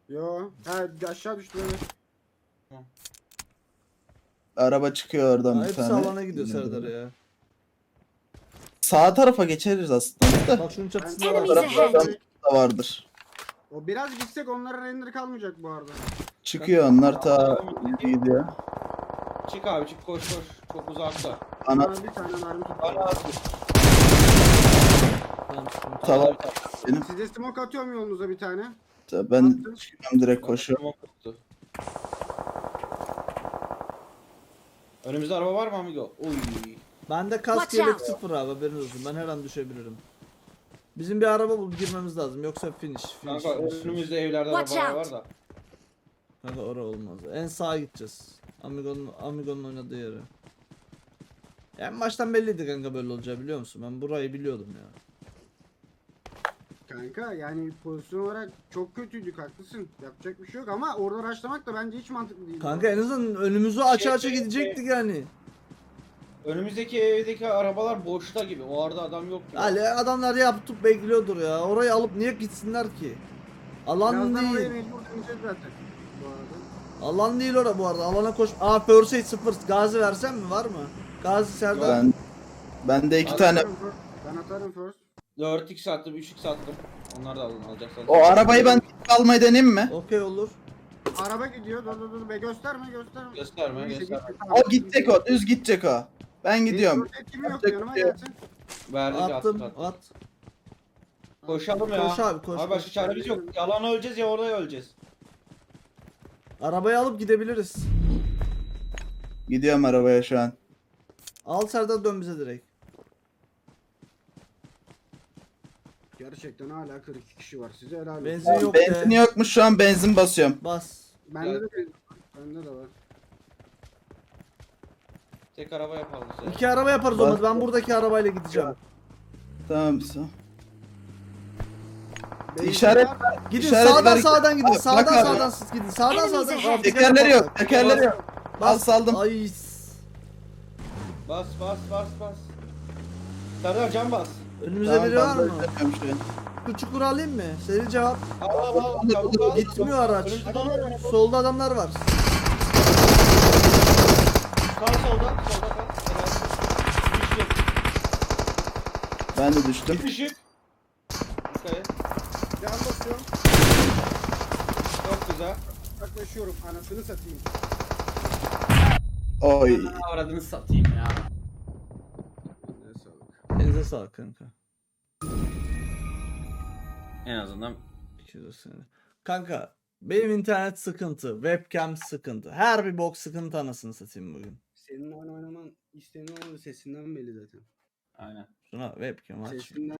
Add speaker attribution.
Speaker 1: Yo. Ha aşağı düştü evet.
Speaker 2: Araba çıkıyor oradan bir
Speaker 3: Hepsi
Speaker 2: tane.
Speaker 3: alana gidiyor Serdar ya.
Speaker 2: Sağ tarafa geçeriz aslında da.
Speaker 3: Bak şunun çatısında
Speaker 1: Ben-
Speaker 3: var.
Speaker 4: Enemies ahead.
Speaker 2: Adam da vardır.
Speaker 1: O biraz gitsek onlara render kalmayacak bu arada.
Speaker 2: Çıkıyor onlar ta gidiyor.
Speaker 5: Çık abi çık koş koş. Çok uzakta.
Speaker 2: Ana
Speaker 1: Bana bir tane mermi tuttu.
Speaker 5: Bana at.
Speaker 3: Tamam, sıkıntı yok.
Speaker 2: tava benim.
Speaker 1: Size smoke atıyorum yolunuza bir tane.
Speaker 2: Ben çıkıyorum direkt koşuyorum.
Speaker 5: Önümüzde araba var mı amigo? Oy.
Speaker 3: Bende kask
Speaker 4: Watch
Speaker 3: yelek
Speaker 4: out.
Speaker 3: sıfır abi, haberin olsun. Ben her an düşebilirim. Bizim bir araba bulup girmemiz lazım. Yoksa finish.
Speaker 5: Kanka önümüzde evlerde
Speaker 4: Watch
Speaker 5: arabalar
Speaker 4: out.
Speaker 5: var da.
Speaker 3: Kanka oraya olmaz. En sağa gideceğiz. Amigo'nun oynadığı yere. En baştan belliydi kanka böyle olacağı, biliyor musun? Ben burayı biliyordum ya.
Speaker 1: Kanka yani pozisyon olarak çok kötüydük, haklısın. Yapacak bir şey yok ama orada rushlamak da bence hiç mantıklı değil.
Speaker 3: Kanka en azından önümüzü aça aça gidecektik yani.
Speaker 5: Önümüzdeki evdeki arabalar boşta gibi. O arada adam yok gibi.
Speaker 3: Ali adamlar yapıp bekliyordur ya. Orayı alıp niye gitsinler ki? Alan
Speaker 1: Birazdan oraya
Speaker 3: değil.
Speaker 1: mecbur döneceğiz zaten. Bu arada.
Speaker 3: Alan değil ora bu arada. Alana koş. Aa First Aid 0. Gazi versem mi? Var mı? Gazi Serdar.
Speaker 2: Bende iki
Speaker 5: Ben
Speaker 2: tane.
Speaker 1: Ben atarım first.
Speaker 5: 4x attım, 3x attım. Onlar da alın alacaksanız.
Speaker 2: O arabayı ben almayı deneyeyim mi?
Speaker 3: Okey olur.
Speaker 1: Araba gidiyor. Dur be, gösterme.
Speaker 5: Gösterme,
Speaker 1: İşte
Speaker 5: gösterme.
Speaker 1: gitti,
Speaker 2: O gidecek o. Düz gidecek o. Ben gidiyorum.
Speaker 1: Etkimi yok,
Speaker 2: Yapacak
Speaker 1: yanıma
Speaker 2: bir şey yok.
Speaker 1: gelsin.
Speaker 5: Verdik
Speaker 3: Attım.
Speaker 5: attık.
Speaker 3: At.
Speaker 5: Koşalım ya.
Speaker 3: Koş abi, koş,
Speaker 5: Abi
Speaker 3: koş.
Speaker 5: başka çaremiz yok. Yalan öleceğiz ya orada öleceğiz.
Speaker 3: Arabayı alıp gidebiliriz.
Speaker 2: Gidiyorum arabaya şu an.
Speaker 3: Al Serdar, dön bize direkt.
Speaker 1: Gerçekten hala 42 kişi var. Size helal olsun.
Speaker 3: Benzin yok
Speaker 2: Benzin
Speaker 3: de.
Speaker 2: yokmuş şu an, benzin basıyorum.
Speaker 3: Bas.
Speaker 1: Bende de benzin var. Bende de var.
Speaker 5: Tek araba yapalım size.
Speaker 3: İki araba yaparız olmaz. Ben buradaki arabayla gideceğim.
Speaker 2: Tamam.
Speaker 1: Benzin
Speaker 2: İşaret
Speaker 1: var.
Speaker 3: Gidin
Speaker 2: İşaret
Speaker 3: sağdan
Speaker 2: ver-
Speaker 3: sağdan gidin.
Speaker 2: Bak
Speaker 3: Sağdan
Speaker 2: abi.
Speaker 3: sağdan siz gidin. Sağdan
Speaker 4: Enemies
Speaker 3: sağdan.
Speaker 4: ahead.
Speaker 2: Tekerleri yok. Tekerleri yok. Al saldım.
Speaker 3: Ay.
Speaker 5: Bas bas bas bas. Serdar can bas.
Speaker 3: Önümüzde
Speaker 2: Tamam,
Speaker 3: biri var
Speaker 2: ben
Speaker 3: mı?
Speaker 2: böyle yapıyorum şu an.
Speaker 3: Bu çukuru alayım mı? Seri cevap.
Speaker 5: Al al al. Çabuk al.
Speaker 3: Gitmiyor araç.
Speaker 5: Önümüzde adam var.
Speaker 3: Solda adamlar var.
Speaker 5: Kal solda. Solda kal. Helal. Düştü.
Speaker 2: Ben de düştüm.
Speaker 5: Bir düşük. Yukarı.
Speaker 1: Can basıyorum.
Speaker 5: Çok güzel.
Speaker 1: Yaklaşıyorum. Anasını satayım.
Speaker 2: Oy.
Speaker 5: Avradını satayım ya.
Speaker 1: Ne sağlık.
Speaker 3: Elinize sağlık kanka.
Speaker 5: En azından
Speaker 3: 200 sene. Kanka benim internet sıkıntı, webcam sıkıntı. Her bir bok sıkıntı anasını satayım bugün.
Speaker 1: Senin oyun oynaman isteğin olmadığı sesinden belli zaten.
Speaker 5: aynen.
Speaker 3: Şuna webcam aç.
Speaker 1: Sesinden